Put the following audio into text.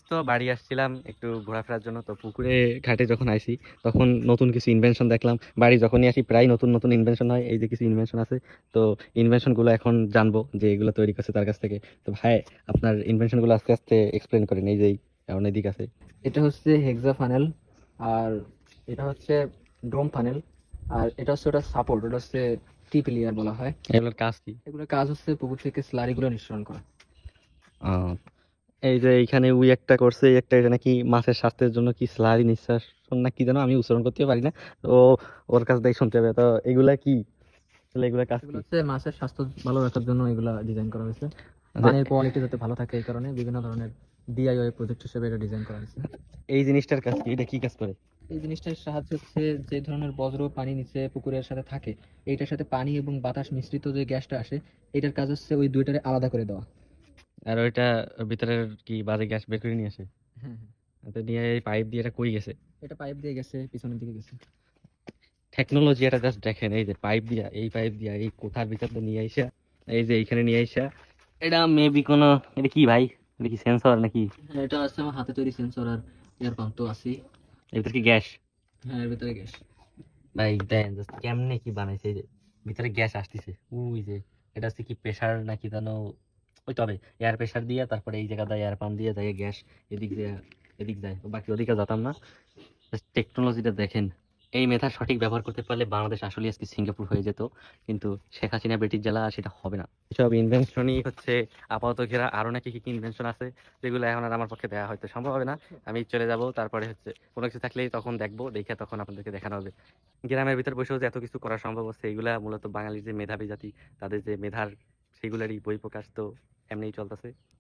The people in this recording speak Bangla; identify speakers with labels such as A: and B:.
A: তো বাড়ি আসছিলাম একটু ঘোরাফেরার জন্য, তো পুকুরে ঘাটে যখন আইছি তখন নতুন কিছু ইনভেনশন দেখলাম। বাড়ি যখনই আসি প্রায় নতুন নতুন ইনভেনশন হয়, এই যে কিছু ইনভেনশন আছে। তো ইনভেনশন গুলো এখন জানবো যে এগুলো তৈরি করছে তার কাছ থেকে। তো ভাই, আপনার ইনভেনশন গুলো আস্তে আস্তে এক্সপ্লেন করেন, এই যে এমন এদিক আছে।
B: এটা হচ্ছে হেক্সা ফানেল, আর এটা হচ্ছে ডোম ফানেল, আর এটা হচ্ছে ওটা সাপোর্ট, ওটা হচ্ছে টিপ লেয়ার বলা হয়।
A: এগুলোর কাজ কি?
B: এগুলোর কাজ হচ্ছে পুকুর থেকে স্লারি গুলো নিঃসরণ করা।
A: আহ, এই যে এইখানে উই একটা করছে, এই একটা, এটা নাকি মাছের স্বাস্থ্যের জন্য কি স্লারি নিঃশ্বাস না কি যেন, আমি উচ্চারণ করতে পারি না। তো ওর কাছ থেকে শুনতে হবে। তো এগুলা কি, তাহলে এগুলা কাজ
B: এগুলো
A: কি?
B: হচ্ছে মাছের স্বাস্থ্য ভালো রাখার জন্য এগুলা ডিজাইন করা হয়েছে।
A: আচ্ছা,
B: পানির কোয়ালিটি যাতে ভালো থাকে এই কারণে বিভিন্ন ধরনের ডিআইওয়াই প্রজেক্ট হিসেবে এটা ডিজাইন করা হয়েছে।
A: এই জিনিসটার কাজ কি, এটা কি কাজ করে?
B: এই জিনিসটার সাহায্য হচ্ছে যে ধরনের বজ্র পানি নিচে পুকুরের সাথে থাকে, এইটার সাথে পানি এবং বাতাস মিশ্রিত যে গ্যাসটা আসে, এটার কাজ হচ্ছে ওই দুইটারে আলাদা করে দেওয়া।
A: আর ওইটা ভিতরের কি বাজে গ্যাস বের করে নিয়ে আসে?
B: হ্যাঁ হ্যাঁ,
A: তো নিয়ে এই পাইপ দিয়ে এটা কই গেছে?
B: এটা পাইপ দিয়ে গেছে, পিছনের দিকে গেছে।
A: টেকনোলজি এটা জাস্ট দেখেন, এই যে পাইপ দিয়া, এই পাইপ দিয়া এই কোঠার ভিতর দিয়ে নিয়ে আইসা, এই যে এইখানে নিয়ে আইসা, এটা মেবি কোনো, এটা কি ভাই, এটা কি সেন্সর নাকি?
B: হ্যাঁ, এটা আছে আমার হাতে তৈরি সেন্সর, আর এয়ার পাম্প তো আছেই।
A: এর ভিতরে কি গ্যাস?
B: হ্যাঁ, এর ভিতরে গ্যাস।
A: ভাই দেন জাস্ট কেমনে কি বানাইছে, এই যে ভিতরে গ্যাস আসতেছে, ওই যে এটা হচ্ছে কি প্রেসার নাকি জানো, ওই তবে এয়ার প্রেসার দিয়ে তারপরে এই জায়গা দিয়ে এয়ার পাম্প দিয়ে যায় গ্যাস এদিক দিয়ে, এদিক যায়, বাকি ওদিকে যেতাম না। টেকনোলজিটা দেখেন। এই মেধার সঠিক ব্যবহার করতে পারলে বাংলাদেশ আসলে আজকে সিঙ্গাপুর হয়ে যেত, কিন্তু শেখ হাসিনা বেটির জ্বালা সেটা হবে না। এসব ইনভেনশনই হচ্ছে আপাতত ঘেরা, আরো নাকি কি কি ইনভেনশন আছে যেগুলো এখন আর আমার পক্ষে দেওয়া হয়তো সম্ভব হবে না। আমি চলে যাব, তারপরে হচ্ছে কোনো কিছু থাকলেই তখন দেখবো, দেখে তখন আপনাদেরকে দেখানো হবে। গ্রামের ভিতর বসেও যে এত কিছু করা সম্ভব হচ্ছে, এগুলা মূলত বাঙালির যে মেধাবী জাতি, তাদের যে মেধার, সেগুলারই বহিঃপ্রকাশ। তো এমনিই চলতেছে।